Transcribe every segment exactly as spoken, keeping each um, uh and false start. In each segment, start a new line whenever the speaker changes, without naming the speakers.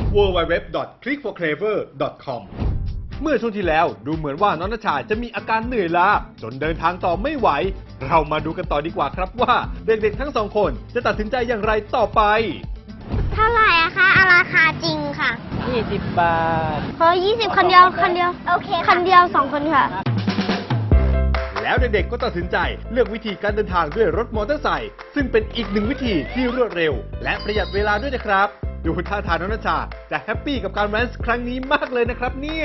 ดับเบิลยู ดับเบิลยู ดับเบิลยู ดอท คลิก ฟอร์ เคลเวอร์ ดอท คอม เมื่อช่วงที่แล้วดูเหมือนว่าน้องณชาจะมีอาการเหนื่อยล้าจนเดินทางต่อไม่ไหวเรามาดูกันต่อดีกว่าครับว่าเด็กๆทั้งสองคนจะตัดสินใจอย่างไรต่อไป
เท่าไหร่อะคะอาราคาจริงค่ะ
ยี่สิบบาท
เฮ้ยยี่สิบคันเดียวคันเดียวโอเคคันเดียวสองคนค่ะ
แล้วเด็กๆก็ตัดสินใจเลือกวิธีการเดินทางด้วยรถมอเตอร์ไซค์ซึ่งเป็นอีกหนึ่งวิธีที่รวดเร็วและประหยัดเวลาด้วยนะครับดูท่าทางน้องณชาจะแฮปปี้กับการแว้นครั้งนี้มากเลยนะครับเนี่ย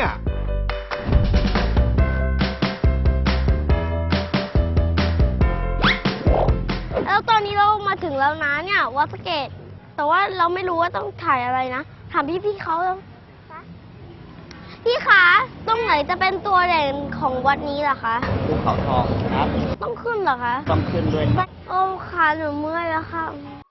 แล้วตอนนี้เรามาถึงแล้วนะเนี่ยวัดสะเกษแต่ว่าเราไม่รู้ว่าต้องถ่ายอะไรนะถามพี่ๆเขาแล้วพี่คะตรงไหนจะเป็นตัวเด่นของวัดนี้ล่ะคะ
ภูเขาทองครับ
ต้องขึ้นเหรอคะ
ต้องขึ้นด้วย
โอ้ขาหนูเมื่อยแล้วค่ะ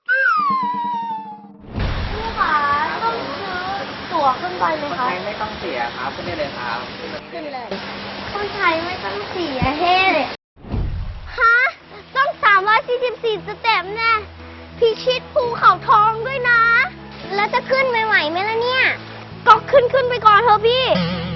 พี่คะต้องซื้อตั๋วขึ้นไปไหมคะ
ไม่ต้องเสียครับขึ้นได้เลยครับ
ขึ้นเลยคนไทยไม่ต้องเสียเฮ้เลยฮะต้องสามร้อยสี่สิบสี่สเต็ปแน่พิชิตภูเขาทองด้วยนะแล้วจะขึ้นไม่ไหวไหมล่ะเนี่ยก็ขึ้นขึ้นไปก่อนเถอะพี่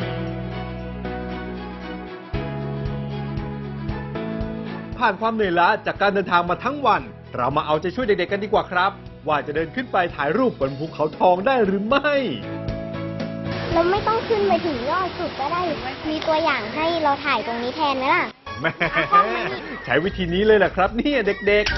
ผ่านความเหนื่อยล้าจากการเดินทางมาทั้งวันเรามาเอาใจช่วยเด็กๆกันดีกว่าครับว่าจะเดินขึ้นไปถ่ายรูปบนภูเขาทองได้หรือไม่
เราไม่ต้องขึ้นไปถึงยอดสุดก็ได้มีตัวอย่างให้เราถ่ายตรงนี้แทนไหมล่ะ
แม่ใช้วิธีนี้เลยแหละครับเนี่ยเด็กๆ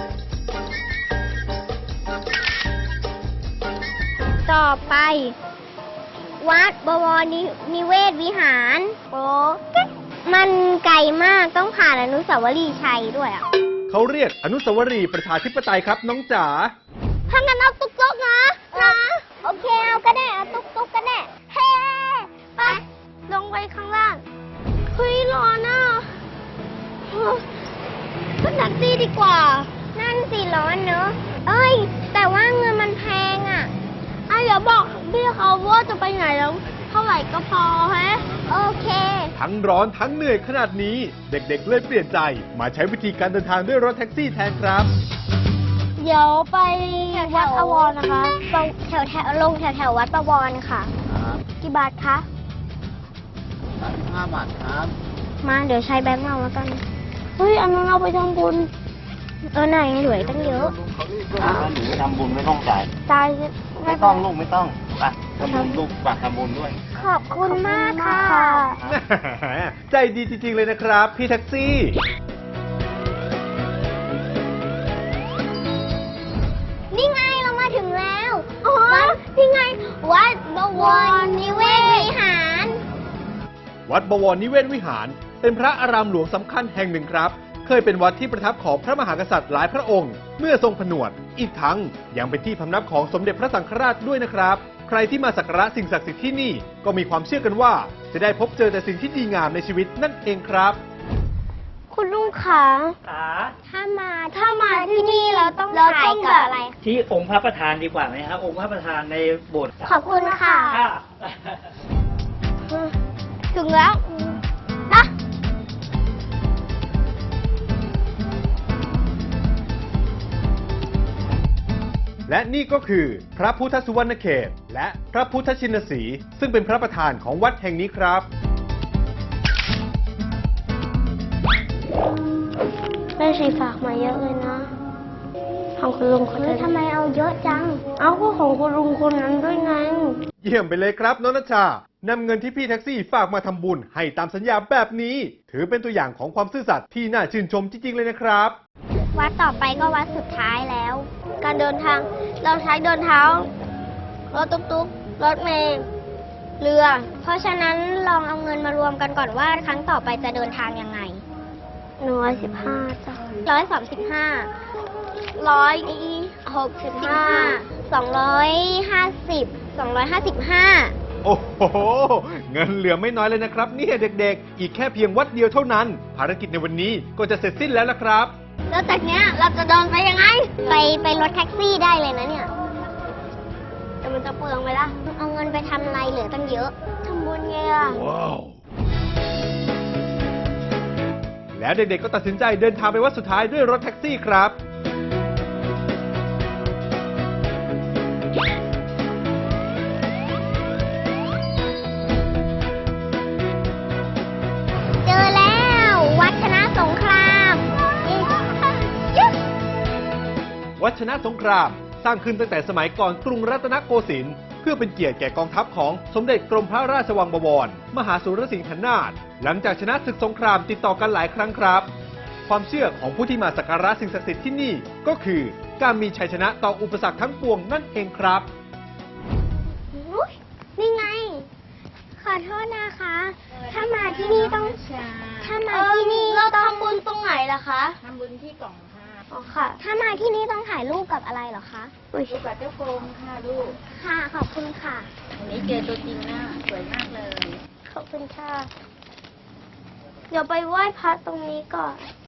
ต่อไปวัดบวรนิเวศวิหารโอ้มันไกลมากต้องผ่านอนุสาวรีย์ชัยด้วยอ่ะ
เขาเรียกอนุสาวรีย์ประชาธิปไตยครับน้องจ๋า
ถ้างั้นเอาตุ๊กตุ๊กนะนะโอเคเอาก็ได้เอาตุ๊กตุ๊กก็ได้เฮ้ไปลงไปข้างล่างเฮ้ยร้อนอ่ะขึ้นแท็กซี่ดีกว่านั่นสิร้อนเนอะเอ้ยแต่ว่าเงินมันแพงอ่ะอ่ะเดี๋ยวบอกพี่เขาว่าจะไปไหนแล้วเท่าไหร่ก็พอฮะโอเค
ทั้งร้อนทั้งเหนื่อยขนาดนี้เด็กๆเลยเปลี่ยนใจมาใช้วิธีการเดินทางด้วยรถแท็กซี่แทนครับ
เดี๋ยวไปวัดอวรนะคะแถวแถวลงแถวแถววัดประวรค่ะกี่บาทคะ
ห้าบาทครับ
มาเดี๋ยวใช้แบงค์เราแล้วกันเฮ้ยอันนั้นเราไปทำบุญเออไหนเหลือตั้งเยอะ
หนูทำบุญไม่ต้องจ่าย
จ่าย
ไม่ต้องลูกไม่ต้องไปทำบุญลูกฝากทำบุญด้วย
ขอบคุณมากค่ะ
ใจดีจริงๆเลยนะครับพี่แท็กซี่
นี่ไงเรามาถึงแล้วอ๋อนี่ไงวัดบวรนิเวศวิหาร
วัดบวรนิเวศวิหารเป็นพระอารามหลวงสำคัญแห่งหนึ่งครับเคยเป็นวัดที่ประทับของพระมหากษัตริย์หลายพระองค์เมื่อทรงผนวดอีกทั้งยังเป็นที่พำนักของสมเด็จพระสังฆราชด้วยนะครับใครที่มาสักการะสิ่งศักดิ์สิทธิ์ที่นี่ก็มีความเชื่อกันว่าจะได้พบเจอแต่สิ่งที่ดีงามในชีวิตนั่นเองครับ
คุณลุงขาถ้ามาถ้ามาที่นี่เราต้องถ่ายกับอะไร
ที่องค์พระประธานดีกว่าไหมครับองค์พระประธานในโบสถ์
ขอบคุณค่ะถึงแล้วนะ
และนี่ก็คือพระพุทธสุวรรณเขตและพระพุทธชินสีห์ซึ่งเป็นพระประธานของวัดแห่งนี้ครับ
แม่ชีฝากมาเยอะเลยนะของคุณลุงคนนั้นทำไมเอาเยอะจังเอาก็ของคุณลุงคนนั้นด้วยไง
เยี่ยมไปเลยครับน้องณชานำเงินที่พี่แท็กซี่ฝากมาทำบุญให้ตามสัญญาแบบนี้ถือเป็นตัวอย่างของความซื่อสัตย์ที่น่าชื่นชมจริงๆเลยนะครับ
วัดต่อไปก็วัดสุดท้ายแล้วการเดินทางเราใช้เดินเท้ารถตุ๊กๆรถเมล์เรือเพราะฉะนั้นลองเอาเงินมารวมกันก่อนว่าครั้งต่อไปจะเดินทางยังไงหนึ่งร้อยสิบห้าจ้ะร้อยสามสิบห้าร้อยหกสิบห้าสองร้อยห้าสิบสองร้อยห้าสิบห้า
โอ้โหเงินเหลือไม่น้อยเลยนะครับเนี่ยเด็กๆอีกแค่เพียงวัดเดียวเท่านั้นภารกิจในวันนี้ก็จะเสร็จสิ้นแล้วละครับ
แล้วจากเนี้ยเราจะเดินไปยังไงไปไปรถแท็กซี่ได้เลยนะเนี่ยแต่มันจะเปลืองไปละเอาเงินไปทำอะไรเหลือตั้งเยอะทำบุญไงล่ะว้าว
แล้วเด็กๆก็ตัดสินใจเดินทางไปวัดสุดท้ายด้วยรถแท็กซี่ครับ
พ
ดชนะสงคราม สร้างขึ้นตั้งแต่สมัยก่อนกรุงรัตนโกสินทร์เพื่อเป็นเกียรติแก่กองทัพของสมเด็จกรมพระราชวังบวร มหาสุรสิงหนาถหลังจากชนะศึกสงครามติดต่อกันหลายครั้งครับ ความเชื่อของผู้ที่มาสักการะสิ่งศักดิ์สิทธิ์ที่นี่ก็คือการมีชัยชนะต่ออุปสรรคทั้งปวงนั่นเองครับ
อุ๊ยนี่ไง ขอโทษนะคะ ถ้ามาที่นี่ต้อง ถ้ามาที่นี่เราทำบุญตรงไหนล่ะคะ
ทำบุญที่กล่องค่ะ
อ๋อค่ะ ถ้ามาที่นี่ต้องถ่ายรูปกับอะไรเหรอคะอุ๊ย
ลูกกับเจ้าโกงค่ะลูก
ค่ะ ขอบคุณค่ะ
วันนี้เจอตัวจริงนะสวยมากเลย
ขอบคุณค่ะ เดี๋ยวไปไหว้พระตรงนี้ก่อน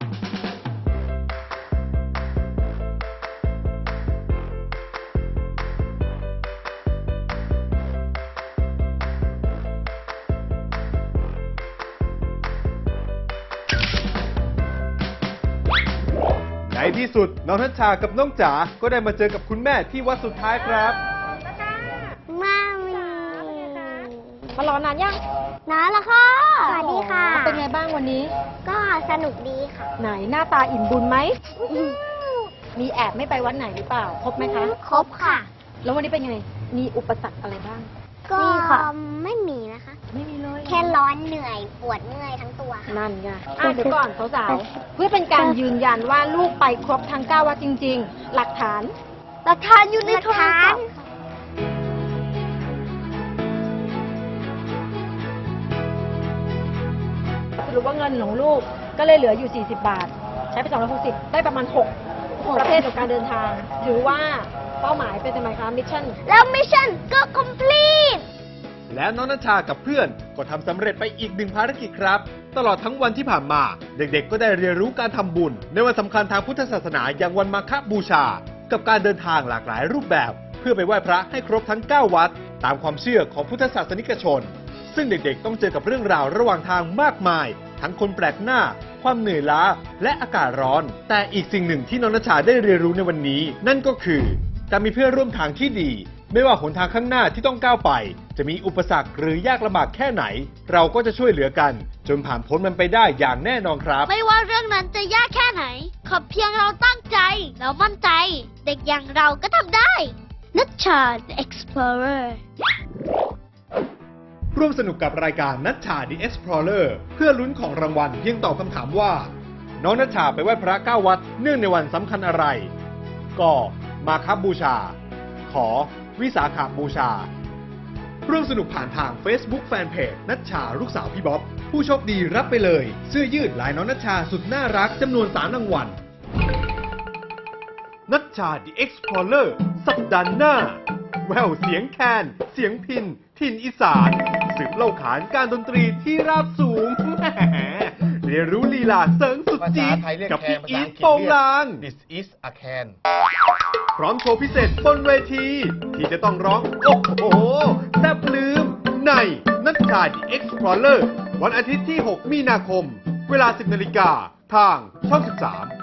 ในที่สุดน้องทัชชากับน้องจ๋าก็ได้มาเจอกับคุณแม่ที่วัดสุดท้ายครับ
มามี
มารอนานยัง
น้าละค่ะ สวัสดีค่ะ
เป็นไงบ้างวันนี้
ก็สนุกดีค่ะ
ไหนหน้าตาอิ่มบุญไหม มีแอบไม่ไปวัดไหนหรือเปล่า ครบไหมคะ
ครบค่ะ
แล้ววันนี้เป็นไง มีอุปสรรคอะไรบ้าง
ก็ไม่มีนะคะ
ไม่มีเลย
แค่ร้อนเหนื่อยปวดเมื่อยทั้งตัวค่ะ
นั่นไงอ่ะเดี๋ยวก่อนสาวๆ เพื่อเป็นการยืนยันว่าลูกไปครบทั้งเก้าวัดจริง ๆ หลักฐาน
หลักฐานอยู่ในโทรศัพท์
สรุปว่าเงินของลูกก็เลยเหลืออยู่ สี่สิบบาท ใช้ไปสองร้อยหกสิบได้ประมาณหกประเภทของการเดินทาง ถือว่าเป้าหมายเป็นสมัยคะมิชชั่น
แล้วมิชชั่นก็ complete
แล้วน้องนัชชากับเพื่อนก็ทำสำเร็จไปอีกหนึ่งภารกิจครับ ตลอดทั้งวันที่ผ่านมา เด็กๆ ก็ได้เรียนรู้การทำบุญในวันสำคัญทางพุทธศาสนาอย่างวันมาฆบูชา กับการเดินทางหลากหลายรูปแบบ เพื่อไปไหว้พระให้ครบทั้งเก้าวัด ตามความเชื่อของพุทธศาสนิกชน ซึ่งเด็กๆ ต้องเจอกับเรื่องราวระหว่างทางมากมาย ทั้งคนแปลกหน้า ความเหนื่อยล้า และอากาศร้อน แต่อีกสิ่งหนึ่งที่น้องนัชชาได้เรียนรู้ในวันนี้ นั่นก็คือ การมีเพื่อนร่วมทางที่ดี ไม่ว่าหนทางข้างหน้าที่ต้องก้าวไป จะมีอุปสรรคหรือยากลำบากแค่ไหน เราก็จะช่วยเหลือกัน จนผ่านพ้นมันไปได้อย่างแน่นอนครับ
ไม่ว่าเรื่องนั้นจะยากแค่ไหน ขอเพียงเราตั้งใจ แล้วมั่นใจ เด็กอย่างเราก็ทำได้ นัชชา The Explorer
ร่วมสนุกกับรายการนัชชา The Explorer เพื่อลุ้นของรางวัลเพียงตอบคำถามว่า น้องนัชชาไปไหว้พระเก้าวัดเนื่องในวันสำคัญอะไรกมาฆบูชา ขอวิสาขบูชา ร่วมสนุกผ่านทาง Facebook Fanpage นัชชาลูกสาวพี่บ๊อบ ผู้โชคดีรับไปเลยเสื้อยืดลายน้องนัชชาสุดน่ารักจำนวนสามรางวัล นัชชา The Explorer สัปดาห์หน้า แววเสียงแคน เสียงพิน ถิ่นอีสาน สืบเล่าขานการดนตรีที่ราบสูง แหมเรียนรู้ลีลาเสริงสุด
ภา
จี๊
ษา
ด
ไทยเรียก
กับ
แค
พี่
นภา
อี
ษา
ท
อังกฤษ
โปง
เรียก
ลาง
This is a can
พร้อมโชว์พิเศษบนเวที ที่จะต้องร้อง โอ้โหแทบลืม ในนัชชา The Explorer วันอาทิตย์ที่ หก มีนาคม เวลา สิบนาฬิกาทางช่อง สิบสาม